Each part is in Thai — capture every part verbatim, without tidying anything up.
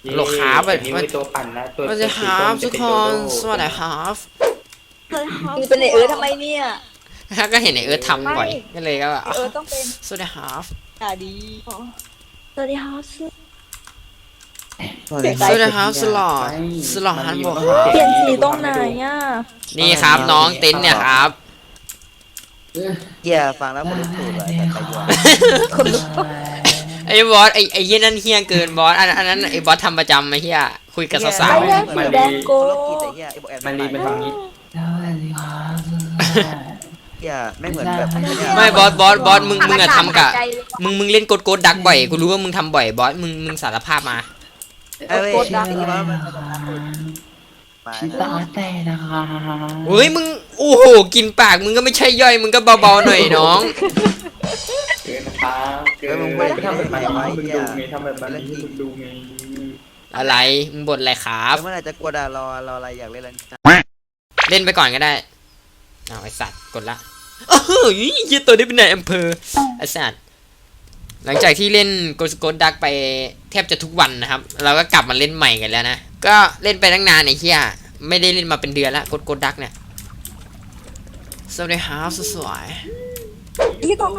โหลครับอันนี้เป็นตัวปั่นนะตัวสวัสดีครับทุกคนสวัสดีครับมึงเป็นไอเอิร์ธทำไมเนี่ยก็เห็นไอเอิร์ธทำบ่อยก็เลยก็ไอเอิร์ธต้องเป็นสวัสดีครับอ่าดีสวัสดีครับสวัสดีครับสลอดสลอดฮันบอกครับเปลี่ยนสีตรงไหนอ่ะนี่ครับน้องเต็นท์เนี่ยครับเฮียฟังแล้วคนลุกตูดเลยแต่ไปยัวคนลุกไอ้บอสไอ้ไอ้เฮียนั่นเฮียเกินบอสอันอันนั้นไอ้บอสทำประจำไอ้เฮียคุยกับสาวไอแดงสีแดงโกโลกิแต่เฮียไอ้บอกแอนมันรีเป็นทางนี้เฮียไม่เหมือนแบบๆไม่บอสบอสบอสมึงมึงอะทำกะมึงมึงเล่นกดโกดดักบ่อยกูรู้ว่ามึงทำบ่อยบอสมึงมึงสารภาพมาไอ้เว้ยที่ว่ามันมาชิตาแต่นะคะเฮ้ยมึงโอ้โหกินปากมึงก็ไม่ใช่ย่อยมึงก็เบาๆหน่อยน้องเกินนะครับเกินมึงทำแบบนี้มึงดูไงทำแบบนี้มึงดูไงอะไรมึงบ่นอะไรครับเมื่อไหร่จะกลัวด่ารอรออะไรอยากเล่นอะไรเล่นไปก่อนก็ได้เอาไอสัตว์กดละเออยี่ตัวนี้เป็นนายอำเภอไอสัตว์หลังจากที่เล่นโกสโกดักไปแทบจะทุกวันนะครับ เราก็กลับมาเล่นใหม่กันแล้วนะก็เล่นไปตั้งนานไอ้เหี้ยไม่ได้เล่นมาเป็นเดือนแล้วโกสโกดักเนี่ยสวัสดีครับสวยที่ตรง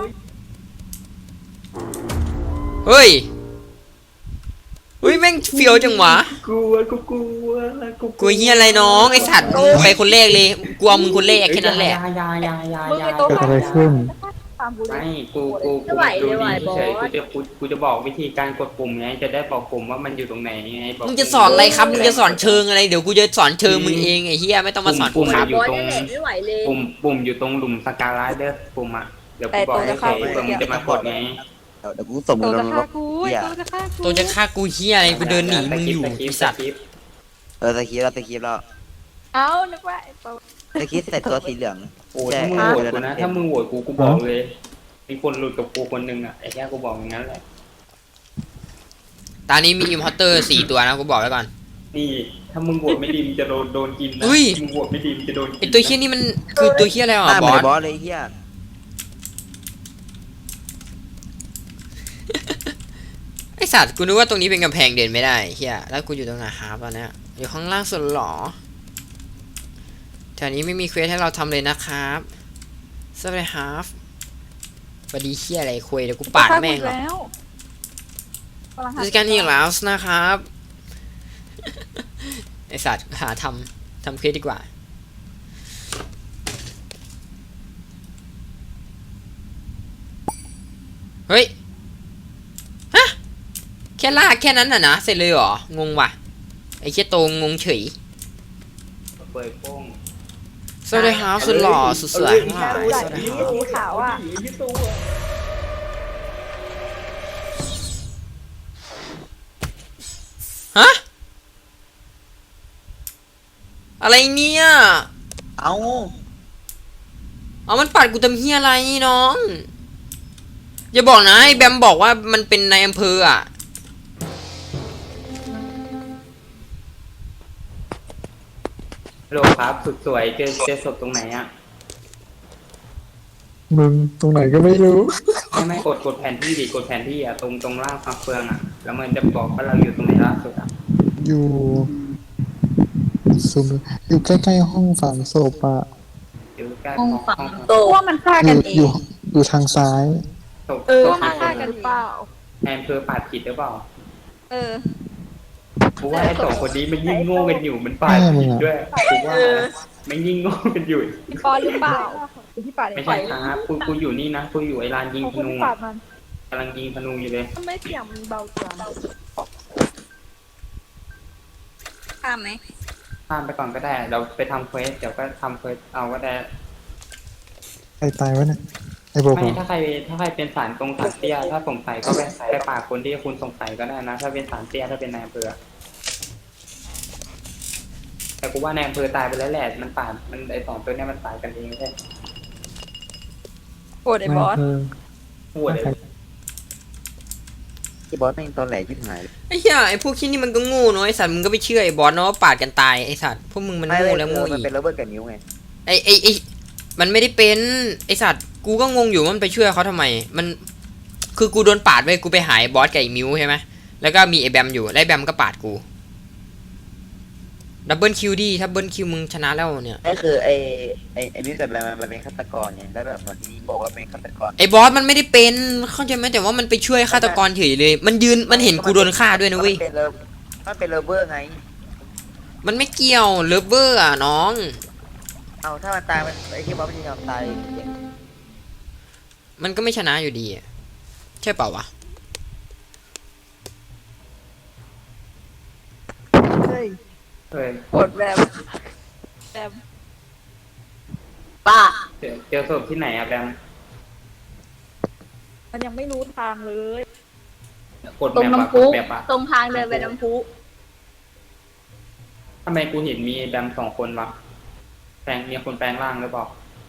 ๆเฮ้ยเฮ้ยแม่งเฟี้ยวจังวะกลัวกูกลัวกูกูเหี้ยอะไรน้องไอสัตว์มึงไปคนแรกเลยกูเอามึงคนแรกแค่นั้นแหละยายายายามึงยาไอโต๊ะเกิดอะไรขึ้นตามกูเลไม่ยกูกูกูดูดีเฉยกูจะกูกูจะบอกวิธีการกดปุ่มไงจะได้บอกปุ่มว่ามันอยู่ตรงไหนไงมึงจะสอนอะไรครับมึงจะสอนเชิงอะไรเดี๋ยวกูจะสอนเชิงมึงเองไอ้เหี้ยไม่ต้องมาสอนกูครับอยู่ตรงปุ่มปุ่มอยู่ตรงหลุมสกาไลเดอร์ปุ่มอ่ะเดี๋ยวกูบอกให้ใครเพื่อมึงจะมากดไงเดี๋ยวกูส่งมึโต๊ะงลจะงรฆ่าถกูเฮียโต๊ะจะฆ่ากูตัวจะฆ่ากูเหี้ยอะไรกูเดินหนีมึงอยู่ไอ้สัตว์เออสกีเราสกีเราเอ้านึกว่าไอโต๊ะสกีใส่ตัวสีเหลืองโอ้ถ้ามึงโหวตกูนะถ้ามึงโหวตกูกูบอกเลยมีคนหลุดกับกูคนนึงอ่ะไอ้แค่กูบอกอย่างนั้นแหละตอนนี้มีอิมพอร์เตอร์สี่ตัวนะกูบอกไว้ก่อนนี่ถ้ามึงโหวตไม่ดีมึงจะโดนโดนกินนะอุ้ยมึงโหวตไม่ดีมึงจะโดนไอตัวเหี้ยนี่มันคือตัวเหี้ยอะไรหอ่ะน้าเหบมืออน สบอสเลยเฮียไอสัตว์กูนึกว่าตรงนี้เป็นกำแพงเดินไม่ได้เหี้ยแล้วกูอยู่ตรงไหนครับตอนเนี้ยอยู่ข้างล่างสุดหรอแถวนี้ไม่มีเควสให้เราทำเลยนะครับสวัสดีครับสวัสดีเหี้ยอะไรคุยเดี๋ยวกูปาดแม่งหรอกแล้วราชการอีกแล้วนะครับ ไอสัตว์หาทำทำเควสดีกว่าเฮ้ยฮะแค่ลากแค่นั้นน่ะนะเสร็จเลยเหรองงว่ะไอเชี่ยโตงงเฉยเปิดโป้งสวัสดีครับสุดหล่อสุดสวยทั้งหลายสวัสดีครับสีขาวอ่ะฮะอะไรเนี่ยเอาเอามันปัดกูทำเฮียอะไรน้องอย่าบอกนะไอ้แบมบอกว่ามันเป็นนายอำเภออ่ะโลครับสุดสวยเจอเจอศพตรงไหนอ่ะมึงตรงไหนก็ไม่รู้ไม่ไม่กดกดแผนที่ดิกดแผนที่อ่ะตรงตรงล่างฟังเฟืองอ่ะแล้วมันจะบอกว่าเราอยู่ตรงไหนล่าสุดอ่ะอยู่ซุมอยู่ใกล้ๆห้องฝังศพอะอยู่ใกล้ห้องห้องฝังห้องโต๊ะว่ามันฆ่าอกันยู่เออง ยู่อยู่ทางซ้ายศพเออศพฆ่ามีคฆ่าน กันหรือเปล่าแอนเภอปาดผิดหรือเปล่าเออกูว่าไอ้สองคนนี้มันยิ่งโง่กันอยู่มันปาดผิดด้วยกูว่ามันยิ่งโง่กันอยู่พี่ปอนหรือเปล่าพี่ปาดไม่ใช่ครับกูกูอยู่นี่นะกูอยู่ไอ้ลานยิงธนูปาดมันกำลังยิงธนูอยู่เลยทำไมเสียงมันเบาจังข้ามไหมข้ามไปก่อนก็ได้ เราไปทำเควสเดี๋ยวก็ทำเควสเอาก็ได้ใครตายวะเนี่ยไอ้โบไม่กถ้าใครถ้าใครเป็นสารตรงสารเตี้ยถ้าสงสัยก็ไปไปปากคนที่คุณสงสัยก็ได้นะ ถ้าเป็นสารเตี้ยถ้าเป็นนายอำเภอแต่กูว่านายอำเภอตายไปแล้วแหละมันปาดมันไอสองตัวเนี้ยมันตายกันเองใช่โกรธไอ้บอสเออหัวเลยที่บอสแม่งตอนแหลกที่หายไอ้เหี้ยไอ้พวกขี้นี่มันก็โง่เนาะไอ้สัตว์มึงก็ไปเชื่อไอ้บอสเนาะว่าปาดกันตายไอ้สัตว์พวกมึงมันไม่โง่เลยแล้วโง่มันอีกเป็นระเบิดกับนิ้วไงไอ้ไอ้ไอ้มันไม่ได้เป็นไอ้สัตว์กูก็งงอยู่ว่ามันไปช่วยเขาทำไมมันคือกูโดนปาดไปกูไปหายบอสกับไอ้มิวใช่ไหมแล้วก็มีไอ้แบมอยู่แล้วไอ้แบมก็ปาดกูดับเบิลคิวดิถ้าเบิลคิวมึงชนะแล้วเนี่ยนี่คือไอ้ไอ้ไอ้มิวแต่แบบมันเป็นฆาตกรเนี่ยแล้วแบบเหมือนที่บอกว่าเป็นฆาตกรไอ้บอสมันไม่ได้เป็นเข้าใจไหมแต่ว่ามันไปช่วยฆาตกรเฉยเลย มันยืนมันเห็นกูโดนฆ่าด้วยนะเว้ยมันเป็นเลิฟมันเป็นเลฟเวอร์ไงมันไม่เกี่ยวเลิฟเวอร์อ่ะน้องเอาถ้ามันตายมันไอ้ที่บอสมันจะยอมตายมันก็ไม่ชนะอยู่ดีอะใช่เปล่าวะเฮ้ยเฮ้ยกดแบบแบบป้าเจอเจอศพที่ไหนอะแบมมันยังไม่รู้ทางเลยกดตรงแมปอะน้ำกพุดแมปอะตรงทางเดินไปน้ำพุทำไมกูเห็นมีแบมสองคนวะแปลงมีคนแปลงร่างหรือเปล่า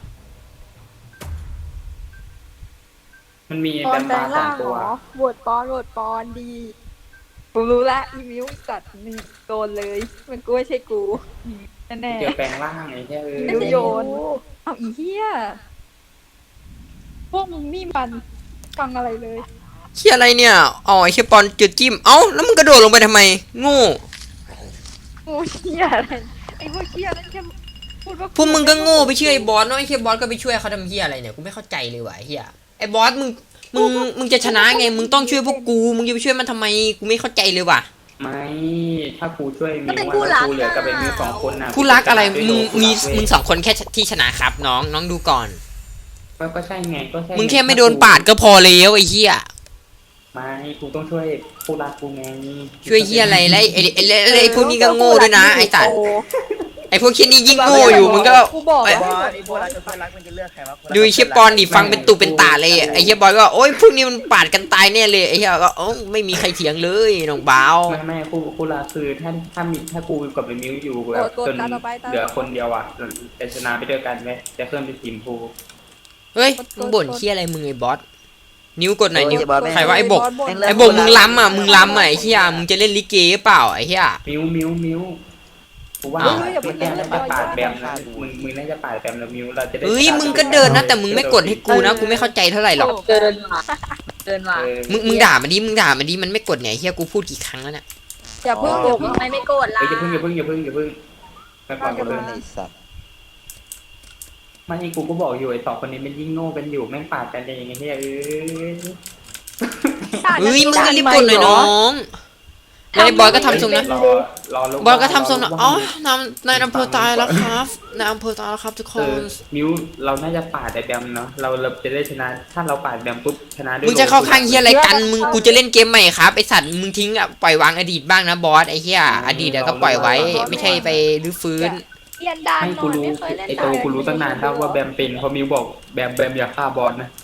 มันมีตอแบนมแปลปลาง สอร่าง งตัเหวรอโหวตปอนโหวตปอนดีกูรู้ละอีมิวจัดนี่โดนเลย มันกูไม่ใช่กูแน่เจอแปลงร่างไอ้แค่เอๆอมิวโยนเอาอีเหี้ยพวกมึงนี่มันฟังอะไรเลยเฮียอะไรเนี่ยอ๋อไอ้เฮียปอนจุดจิ้มเอ้าแล้วมึงกระโดดลงไปทำไมโง่กูเหี้ยอะไรไอ้พวกเหี้ยนั่นแค่พูดว่าพวกมึงก็โง่ไปเชื่อไอ้บอสเนาะไอ้เฮียบอสก็ไปช่วยเขาทำเฮียอะไรเนี่ยกูไม่เข้าใจเลยว่ะไอ้เฮียไอ้บอสมึงมึงมึงจะชนะไงมึงต้องช่วยพวกกูมึงจะไปช่วยมันทำไมกูไม่เข้าใจเลยว่ะไม่ถ้ากูช่วยมิวว่าแล้วกูเหลือกับไอ้มิวสองคนน่ะคู่รักอะไรมึงมีคู่รักเว้ยมึงสองคนแค่ที่ชนะครับน้องน้องดูก่อนก็ก็ใช่ไงก็ใช่มึงแค่ไม่โดนปาดก็พอแล้วไอ้เฮียไม่กูต้องช่วยคู่รักกูไงช่วยเฮียอะไรแล้วไอ้ไอ้ไอ้ไอ้ไอ้พวกนี้ก็โง่ด้วยนะไอ้สัตว์ไอ้พวกเคียนี้ยิ่งโง่อยู่มึงก็กูบอกไอ้บอว่าสไอ้พวกรักกับเพื่อนรักมันจะเลือกใครวะดูไอ้เฮียปอนดิฟังเป็นตุเป็นตาเลยไอ้เฮียบอยก็โอ๊ยพวกนี้มันปาดกันตายแน่เลยไอ้เฮียก็โอ้ไม่มีใครเถียงเลยน้องบ่าวไม่ไม่คู่คู่รักคือถ้าถ้ามีถ้ากูกับไอ้มิวอยู่แบบจนเหลือคนเดียวอ่ะจะชนะไปด้วยกันไหมจะเคลื่อนเป็นทีมกูเฮ้ยมึงบ่นเฮียอะไรมึงไอ้บอสนิ้วกดหน่อยนิ้วบอสแม่งใครว่าไอ้บกบ่นไอ้บกมึงล้ำอ่ะมึงล้ำอ่ะไอ้เฮียมึงจะเล่นลิเกหรือเปล่าไอ้เฮียมิวมิวมิวกูว่าอ้าวเมื่อกี้น่าจะปาดแบมนะมึงมึงน่าจะปาดแบมแล้วมิวเราจะได้เฮ้ยมึงก็เดินนะแต่มึงไม่กดให้กูนะกูไม่เข้าใจเท่าไหร่หรอกเดินมาเดินมาเออมึงมึงด่ามันดิมึงด่ามันดิมันไม่กดไงเฮียกูพูดกี่ครั้งแล้วเนี่ยอย่าเพิ่งอย่าเพิ่งไม่ไม่โกรธเอ้ละยอย่าเพิ่งอย่าเพิ่งอย่าเพิ่งอย่าเพิ่งไปก่อนอย่าเพิ่งไอ้สัตว์ไม่กูก็บอกอยู่ไอ้สองคนนี้มันยิ่งโง่กันอยู่แม่งปาดกันอย่างเงี้ยเอ้ยเฮ้ยมึงก็รีบกดหน่อยน้องแล้วไอ้บอยก็ทำทรงนะรอรอลูบอยก็ทำทรงนะอ๋อนำนายอำเภอตายแล้วครับนายอำเภอตายแล้วครับทุกคเอน อมิวเราน่าจะปาดไอ้แบมเนาะเราเราจะได้ชนะถ้าเราปาดแบมปุ๊บชนะด้วยมึงจะเข้าข้างเฮียอะไรกันมึงกูจะเล่นเกมใหม่ครับไอสัตว์มึงทิ้งอ่ะปล่อยวางอดีตบ้างนะบอสไอเฮียอดีตอะก็ปล่อยไว้ ไม่ใช่ไปรื้อฟื้นเรียนดานให้นกูอนรู้ไม่เคยเล่นไอ้โตกูรู้ตั้งนานแล้วว่าแบมเป็นเพราะมิวบอกแบมแบมอย่าฆ่าบอสนะ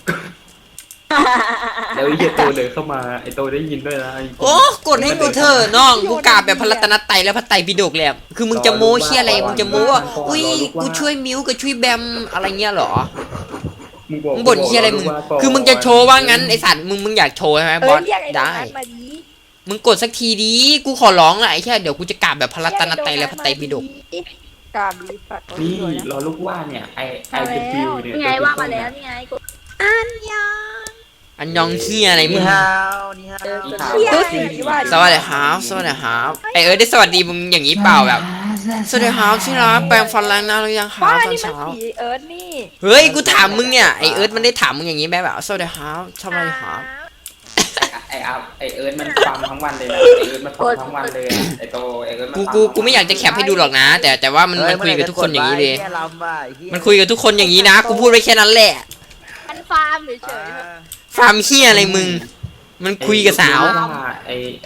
แล้วไอ้เหี้ยโตเดินเข้ามาไอ้โตได้ยินด้วยนะโอ้กดให้กูเถอะน้องกูกราบแบบพระรัตนตรัยและพระไตรปิฎกเลยอะคือมึงจะโม้เชี่ยอะไรมึงจะโม้ว่าอุ้ยกูช่วยมิวกับช่วยแบมอะไรเงี้ยเหรอมึงบอกมึงบ่นเชี่ยอะไรมึงคือมึงจะโชว์ว่างั้นไอสัตว์มึงมึงอยากโชว์ใช่ไหมเอบออสเรียกไอ้ได้นั้นมาดีมึงกดสักทีดีกูขอร้องละไอ้แค่เดี๋ยวกูจะกราบแบบพระรัตนตรัยและพระไตรปิฎกกราบดีสัตว์นี่รอลูกว่าเนี่ยไอไอเดบิวเนี่ยนี่ไงว่ามาแล้วนี่ไงกูอันยังอันยองเฮียอะไรมึนี่งฮาวนี่ฮาวเฮียว่าสวัสดีครับสวัสดีครับไอเอิร์ธได้สวัสดีมึงอย่างนี้เปล่าแบบสวัสดีครับที่รักแปรงฟันล้างหน้าหรือยังครับว่าตอนนี่มันเช้าสีเอิร์ธนี่เฮ้ยกูถามมึงเนี่ยไอเอิร์ธมันได้ถามมึงอย่างนี้ไหมแบบสวัสดีครับสวัสดีครับไออัพไอเอิร์ธมันฟังทั้งวันเลยนะไอเอิร์ธมันฟังทั้งวันเลยไอโตไอเอิร์ธมันกูกูกูไม่อยากจะแคปให้ดูหรอกนะ แต่แต่ว่ามันมันคุยกับทุกคนอย่างนี้เลย มันคุยกับทุกคนอย่างนี้นะกูพูดไว้แค่นั้นแหละมันฟาร์มเฉยฟาร์มเฮียอะไรมึง มันคุยกับสาวไอไอ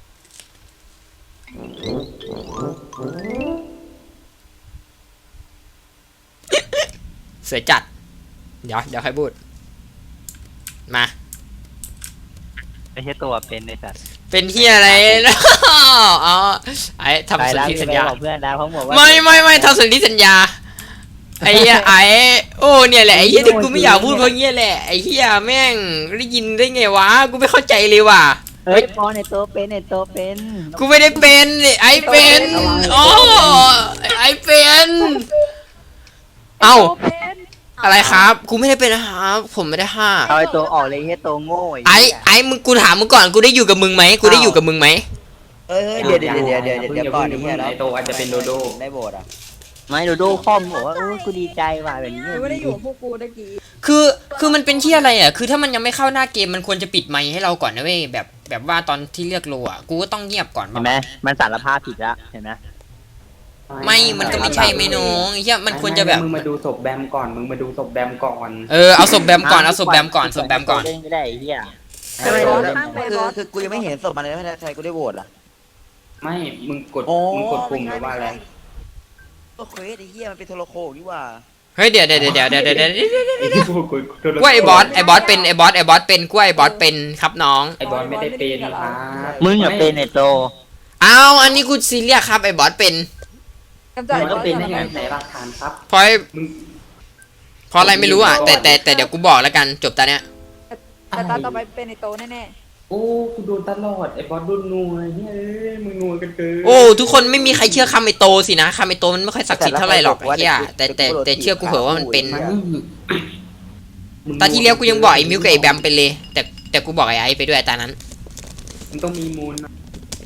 เสือจัด เดี๋ยวเดี๋ยวค่อยพูด มาไม่ใช่ตัวเป็นในสัตว์เป็นเฮียอะไรนะอ๋อไอ้ทำสนธิสัญญาบอกเพื่อนนะเขาบอกว่าไม่ไม่ไม่ทำสนธิสัญญา ไอ้เหี้ยไอ้โอ้เนี่ยแหละไอ้เหี้ยที่กูไม่อยากพูดเพราะเงี้ยแหละไอ้เหี้ยแม่งได้ยินได้ไงวะกูไม่เข้าใจเลยว่ะเฮ้ยพอในตัวเป็นในตัวเป็นกูไม่ได้เป็นไอ้เป็นอ๋อไอ้เป็นๆเอ้าเป็นไอะไรครับ กูไม่ได้เป็นนะครับผมไม่ได้ฆ่าเอาไอ้ตัวออกเลยเฮียตัวโง่ไอ้ไอ้มึงกูถามมึงก่อนกูได้อยู่กับมึงไหมกูได้อยู่กับมึงไหมเฮ้ยเฮ้ยเดี๋ยวเดี๋ยวเดี๋ยวเดี๋ยวเดี๋ยวก่อนอย่านี่เพิ่งแล้วไอโตอาจจะเป็นโดโดได้โบสอ่ะไม่โดโดคอมบอกว่าโอ้กูดีใจว่ะแบบนี้ไม่ได้อยู่กับพวกกูตะกี้คือคือมันเป็นที่อะไรอ่ะคือถ้ามันยังไม่เข้าหน้าเกมมันควรจะปิดไมค์ให้เราก่อนนะเว้ยแบบแบบว่าตอนที่เลือกโลอ่ะกูก็ต้องเงียบก่อนเห็นไหมมันสารภาพผิดแล้วเห็นไหมไม่มันก็ไม่ใช่ไม่น้องไอ้เหี้ยมันควรจะแบบมึงมาดูศพแบมก่อนมึงมาดูศพแบมก่อนเออเอาศพแบมก่อนเอาศพแบมก่อนศพแบมก่อนเล่นไม่ได้ไอ้เฮียทำไมคือคือกูยังไม่เห็นศพมันเลยไม่ได้ใครกูได้โบสอ่ะไม่มึงกดโอ้มึงกดปุ่มหรือว่าอะไรก็เควสไอ้เหี้ยมันเป็นโทรโคงนี่ว่าเฮ้ยเดี๋ยวเดี๋ยวเดี๋ยวเดี๋ยวเดี๋ยวเดี๋ยวไอ้ที่กูกดกดกูว่าไอ้บอสไอ้บอสเป็นไอ้บอสไอ้บอสเป็นกูว่าไอ้บอสเป็นครับน้องไอ้บอสไม่ได้เป็นครับมึงอย่าเป็นไอ้โตเอาอันนี้กูซีเรียสครับไอ้บอสเป็นกำจัดมันบก็อสเป็นก่ได้อนไงนะไหนหลักฐานครับเพราะไอ้มึงเพราะอะไรไม่รู้อ่ะแต่แต่แต่เดี๋ยวกูบอกแล้วกันจบตาเนี้ยแต่ตาต่อไปเป็นไอโตแน่โอ้กูโดนตลอดไอ้บอสโดนนัวเนี่ยเอ้ยมึงนัวกันเกินโอ้ทุกคนไม่มีใครเชื่อคำไอ้โตสินะคำไอ้โตมันไม่ค่อยศักดิ์สิทธิ์เท่าไหร่หรอกไอ้เหี้ยแต่แต่แต่เชื่อกูเหอะว่ามันเป็นไม่มึงตอนที่แล้วกูยังบอกไอ้มิวกับไอ้แบมเป็นเลย แต่แต่กูบอกไอ้ไอ้ไปด้วยตอนนั้นมันต้องมีมูลนะ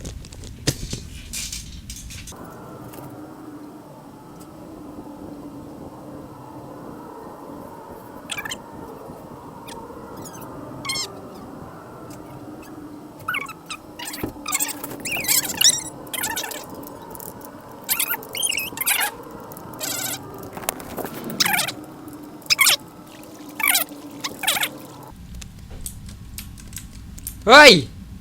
เฮ้ย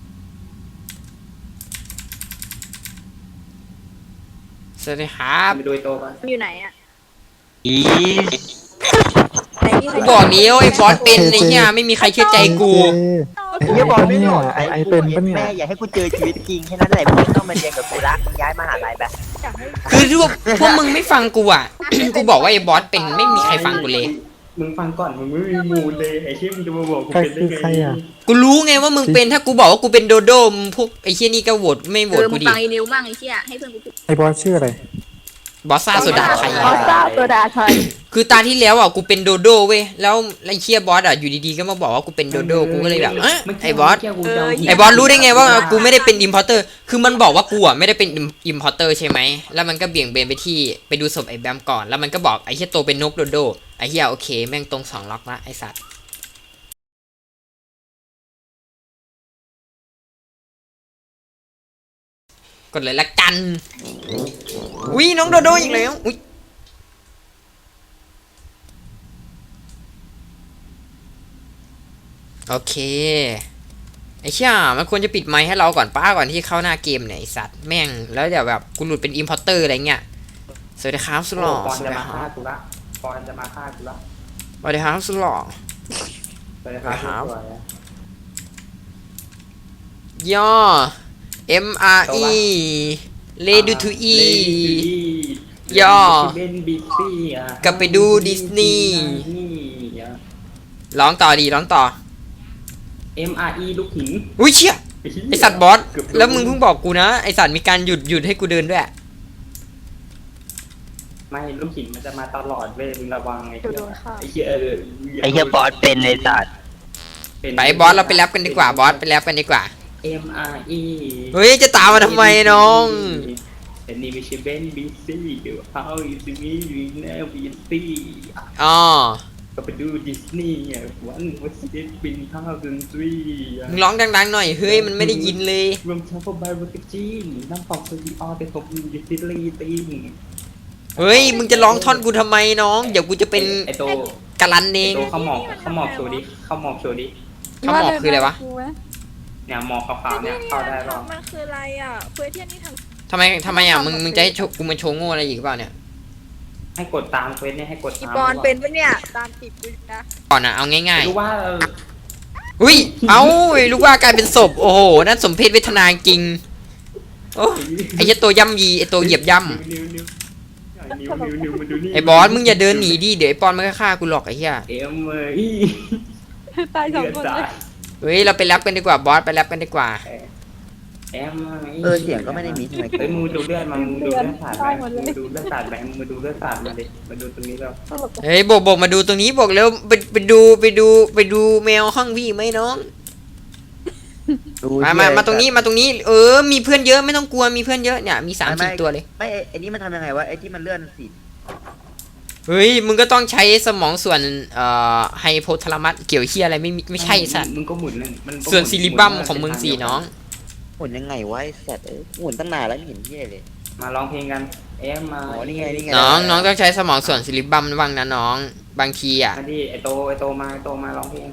สวัสดีครับไปดูไอ้โตกันๆอยู่ไหนอ่ะอีไหนนี่ใครกูบอกเนี้วไอ้บอสเป็นไอ้เหี้ยไม่มีใครเชื่อใจกูไอ้เฮียบอลไม่เนี่ยหลอกไอ้ไอ้เป็นปะเนี่ยแม่อย่าให้กูเจอชีวิตจริงแค่นั้นแหละมึงไม่ต้องมาเรียนกับกูละมึงย้ายมหาลัยไปอยากให้คือพวกพวกมึงไม่ฟังกูอ่ะ กูบอกว่าไอ้บอสเป็นไม่มีใครฟังกูเลยมึงฟังก่อนมึงไม่มีมูลเลยไอ้เชี่ยมึงจะมาบอกกูใครเป็นได้คือไงใครอ่ะกูรู้ไงว่ามึงเป็นถ้ากูบอกว่ากูเป็นโดโดมงพวกไอ้เชี่ยนี่ก็โหวตไม่โหวเอตอมึกูงดิฟังไอ้นิวบ้างไอ้เชี่ยให้เพื่อนกูพูดไอ้บอสชื่ออะไรบอสซ่าโซดาไทยบอสซ่าโซดาไทยคือตาที่แล้วอ่ะกูเป็นโดโดเว้ยแล้วไอ้เชี่ยบอสอ่ะอยู่ดีๆก็มาบอกว่ากูเป็นโดโดกูก็เลยแบบเอ้ยไอ้บอส ไอ้บอสรู้ได้ไงว่ากูไม่ได้เป็นอิมพอร์เตอร์ คือมันบอกว่ากูอ่ะไม่ได้เป็นอิมพอร์เตอร์ใช่ไหม แล้วมันก็เบี่ยงเบนไปที่ไปดูศพไอ้แบมก่อน แล้วมันก็บอกไอ้เฮียโตเป็นนกโดโด ไอ้เฮียโอเคแม่งตรงสองล็อกละไอ้สัตว์ กดเลยละกันอุ้ยน้องโดโดอีกแล้วอุ้ยโอเค ไอ้เชี่ยมันควรจะปิดไมค์ให้เราก่อนป้าก่อนที่เข้าหน้าเกมเนี่ยไอ้สัตว์แม่งแล้วเดี๋ยวแบบกูหลุดเป็นอิมพอร์เตอร์อะไรเงี้ยสวัสดีครับสุดหล่อปอนสวัสจะดีมาคฆ่ารับกูละปอนจะมาฆ่ากูละสวัสดีครับสุดหล่อสวัสดีครับครับสวยอะย่อ M R E Ready to E ย่อเบนบิ๊กซี่อ่ะกลับไปดูดิสนีย์นี่อ่ะร้องต่อดีร้องต่อ M R E ลูกหินอุ้ยเชี่ยไอสัตว์บอสแล้วมึงเพิ่งบอกกูนะไอสัตว์มีการหยุดหยุดให้กูเดินด้วยไม่ลูกหินมันจะมาตลอดเว้ยมึงระวังไอ้เดี๋ยวเหี้โดยนฆ่าไอ้เหี้ยเออไอ้เฮียบอสเป็นไอ้สัตว์เป็นไปบอสเราไปแรปกันดีกว่าบอสไปแรปกันดีกว่า M R E เฮ้ยจะตามมาทำไมน้องอันนี้ไม่ใช่เบนบิ๊กซี่เดี๋ยว how is me you never see อ๋อก็ไปดูดิสนีย์อ่ะวันวัสดุบินท่าดนตรีอ่ะมึงร้องดังๆหน่อยเฮ้ยมันไม่ได้ยินเลยรวมทั้งพวกไบโอติจีนน้ำปอกสตีออแต่ผมยูทิลีตีนเฮ้ยมึงจะร้องท่อนกูทำไมน้องเดี๋ยวกูจะเป็นไอโตกะลันเอไอง โตเขาหมอกเขาหมอกโชว์ดิเขาหมอกโชว์ดิเขาหมอกคืออะไรวะเนี่ยหมอกขาวๆเนี่ยเข้าได้หรอมันคืออะไรอ่ะเพื่อที่นี่ททำไมทำไมอ่ะมึงมึงจะให้โชว์กูมาโชว์โง่อะไรอีกเปล่าเนี่ยให้กดตามเควสเนี่ยให้กดำอีตามปอนเป็นปะเนี่ยตามติดกูนะก่อนอ่ะเอาง่ายรู้ว่าเออๆอุ้ยเอาลูกว่ากลายเป็นศพโอ้โหนั่นสมเพศเวทนาจริงโอ้ไอ้เหี้ยตัวย่ำยีไอ้ตัวเหยียบย่นิ้วนิ้วนิ้วนิ้วนิ้วนิ้วมาดูนี่ำไอ้บอสมึงอย่าเดินหนีดิเดี๋ยวไอ้ปอนมันก็ฆ่ากูหรอกไอ้เหี้ยเอ็มเออีตายสองคนเลยเฮ้ยเราไปแรปกันดีกว่าบอสไปแรปกันดีกว่าแอมมาเออเสียงก็ไม่ได้มีทำไมเฮ้ยมึงดูเลือดมามึงดูเลือดสาดไหมมึงดูเลือดสาดไหมมึงดูเลือดสาดมาดิมาดูตรงนี้แล้วเฮ้ยบอกบอกมาดูตรงนี้บอกแล้วไปไปดูไปดูไปดูแมวห้องพี่ไหมน้องดูมามามาตรงนี้มาตรงนี้ เออ มีเพื่อนเยอะไม่ต้องกลัวมีเพื่อนเยอะเนี่ยมีสามสี่ตัวเลยไม่ไอ้ไอ้นี่มันทำยังไงวะไอ้ที่มันเลื่อนสีเฮ้ยมึงก็ต้องใช้สมองส่วนเอ่อไฮโพทาลามัสเกี่ยวเฮียอะไรไม่มีไม่ใช่สัตว์มึงก็หมุนนั่นมันส่วนซิลิบัมของมึงสี่น้องหมุนยังไงวะไอ้สัตว์เอ้ยหมุนตั้งนานแล้วไม่เห็นที่เลยมาร้องเพลงกันแอมมาอ๋อนี่ไงนี่ไงน้องน้องต้องใช้สมองส่วนซิลิบัมบ้างนะน้องบางทีอ่ะมาดิไอโตไอโตมาไอโตมาร้องเพลง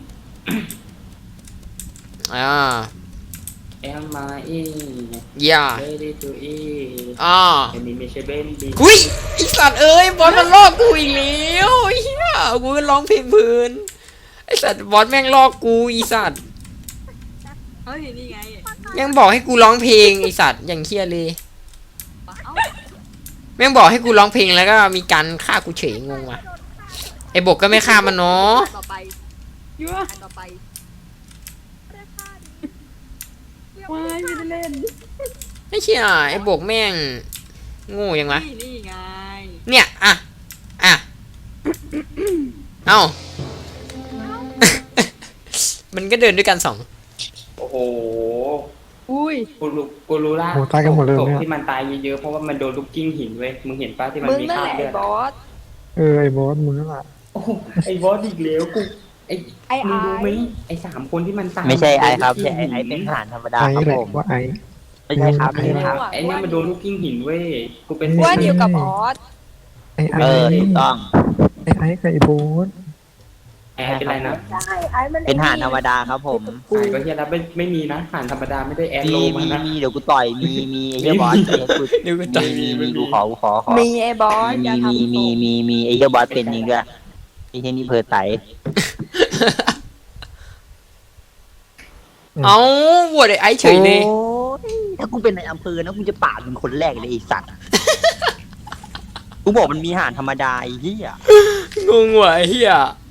อ่าแอมมาอีอย่าเรดี้ทูอีอ่าอันนี้ไม่ใช่เบนดีหุยไอสัตว์เอ้ยบอสมันลอกกูอีกแล้วไอ้เฮียกูก็ร้องเพลงเพลินไอสัตว์บอสแม่งลอกกูอีสัตว์เฮ้ยนี่ไงยังบอกให้กูร้องเพลงไอสัตว์อย่างเฮียเลยแม่งบอกให้กูร้องเพลงแล้วก็มีการฆ่ากูเฉยงงว่ะไอบกก็ไม่ฆ่ามันเนาะต่อไปยั่วต่อไปว้ายไม่ได้เล่นไอ้เชี่ยไอบกแม่งโง่ยังวะนี่นี่ไงเนี่ยอ่ะอ่ะเอ้า มันก็เดินด้วยกันสองโอ้โหอุ้ยกูรู้กูรู้ละโหตายกันหมดเลยศพเนี่ยที่มันตายเยอะๆเพราะว่ามันโดนลูกกิ้งหินเว้ยมึงเห็นปะที่มันมึงมีนั่นคราแหบละเลืไอ้อดบอสเออไอ้บอสมึงนั่นแหละโอ้โหไอ้บอสอีกแล้วกูไอ้ไอ้มึงรู้ไหมไอ้ไอ้สามคนที่มันตายไม่ใช่ไอครับใช่ไอไอเป็นทหารธรรมดาไอ้ครับแหละผมว่าไอ้ไม่ใช่ครับไม่ใช่ครับไอ้เนี่ยมันโดนลูกกิ้งหินเว้ยกูเป็นว่าเดียวกับบอสไอ้ไอ้เออถูกต้องไอ้ไอ้กับไอ้บอสไอ้เป็นไรนะใช่ไอ้มันเป็นทหารธรรมดาครับผมหายก็เฮียแล้วไม่ไม่มีนะผ่านธรรมดาไม่ได้แอดมีโลมามีนะมีเดี๋ยวกูต่อยมีมีไอ้เหี้ยบอสไอ้เหี้ยกูเดี๋ยวก็ต่อยมีมีมีกูขอกูขอขอมีไอ้บอสอย่ามีมีทำมีมีมีไอ้เหี้ยบอสเป็นจริงด้วยไอ้เหี้ยนี่เพอไตเอาโหวตไอ้ไอ้เฉยเลยโอ้ยถ้ากูเป็นในอำเภอนะกูจะปาดมึงคนแรกเลยไอ้สัตว์ กูบอกมันมีอาหารธรรมดาไอ้เหี้ยงงว่ะไอ้เฮีย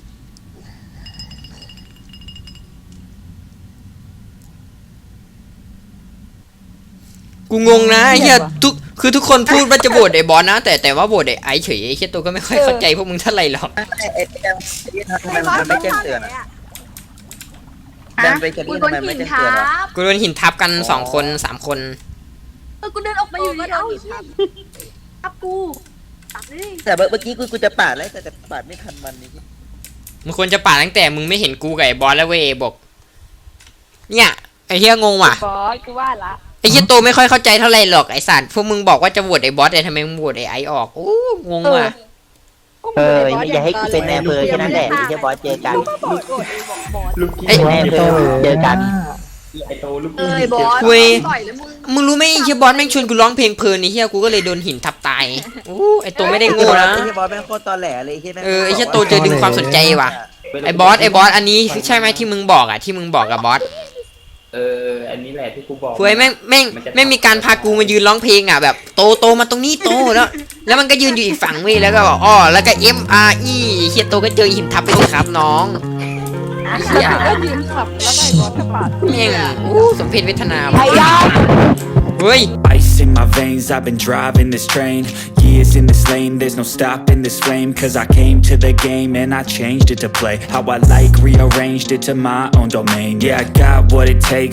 กูงงนะไอ้เฮียทุกคือทุกคนพูดว่าจะโหวตไอ้บอสนะ แต่แต่ว่าโหวตไอ้ไอ้เฉยไอ้เฮียตัวก็ไม่ค่อยเข้าใจพวกมึงเท่าไหร่หรอกไอ้ไอ้ไอ้ทำไมไอ้บอสมันไม่แจ้งเตือนอะดันไปจะกูเรียกโดทำนไมไม่หินแจ้งทัเตือนอะบกูโดนหินทับกันสองคนสามคนเออกูเดินออกมาอยู่ดีเอ้าทับกูตัดเลยแต่เมื่อกี้กูกูจะปาดแล้วแต่แต่ปาดไม่ทันมันนี่มึงควรจะป่าดตั้งแต่มึงไม่เห็นกูกับไอ้บอสแล้วเว้ยบอก เนี่ยไอ้เฮียงงว่ะบอสกูว่าละไอ้เฮียโตไม่ค่อยเข้าใจเท่าไหร่หรอกไอ้สัตว์พวกมึงบอกว่าจะโหวตไอ้บอสแต่ทำไมมึงโหวตไอ้ไอ้ออกโอ้งงว่ะเอออย่าให้กูเป็นในอำเภอแค่นั้นแหละไอ้เหี้ยบอสเจอกันกูก็บอกโกรธไอ้บอกบอสลูกกิ้งไอ้แม่เพื่อนเจอกันไอ้โตลูกเอกิ้งอหินบอสเว้ยต่อยแล้วมึงมึงรู้ไหมไอ้เฮียบอสแม่งชวนกูร้องเพลงเพลินไอ้เฮียกูก็เลยโดนหินทับตายโอ้ไอ้โตไม่ได้โง่นะไอ้เหี้ยบอสแม่งโคตรตอแหลเลยไอ้เหี้ยแม่งเออไอ้เฮียโตเจอดึงความสนใจว่ะไอ้บอสไอ้บอสอันนี้ใช่ไหมที่มึงบอกอ่ะที่มึงบอกกับบอสเอออันนี้แหละที่กูบอกเว้ยแม่งแม่งแม่งมีการพากูมายืนร้องเพลงอ่ะแบบโตโตมาตรงนี้โตแล้ว แล้วมันก็ยืนอยู่อีกฝั่งเว้ยแล้วก็บอกอ้อแล้วก็ M R E เฮียโตก็เจอหินทับไปสิครับน้องไอ้เฮียก็ยืนขับแล้วก็ไอ้บอสก็ปาดแม่งอู้สมเพชเวทนาว่ะไอ้ยาเฮ้ย Ice in my veins, I've been driving this train. Years in this lane, there's no stopping this flame. Cause I came to the game and I changed it to play how I like, rearranged it to my own domain. Yeah, I got what it takes.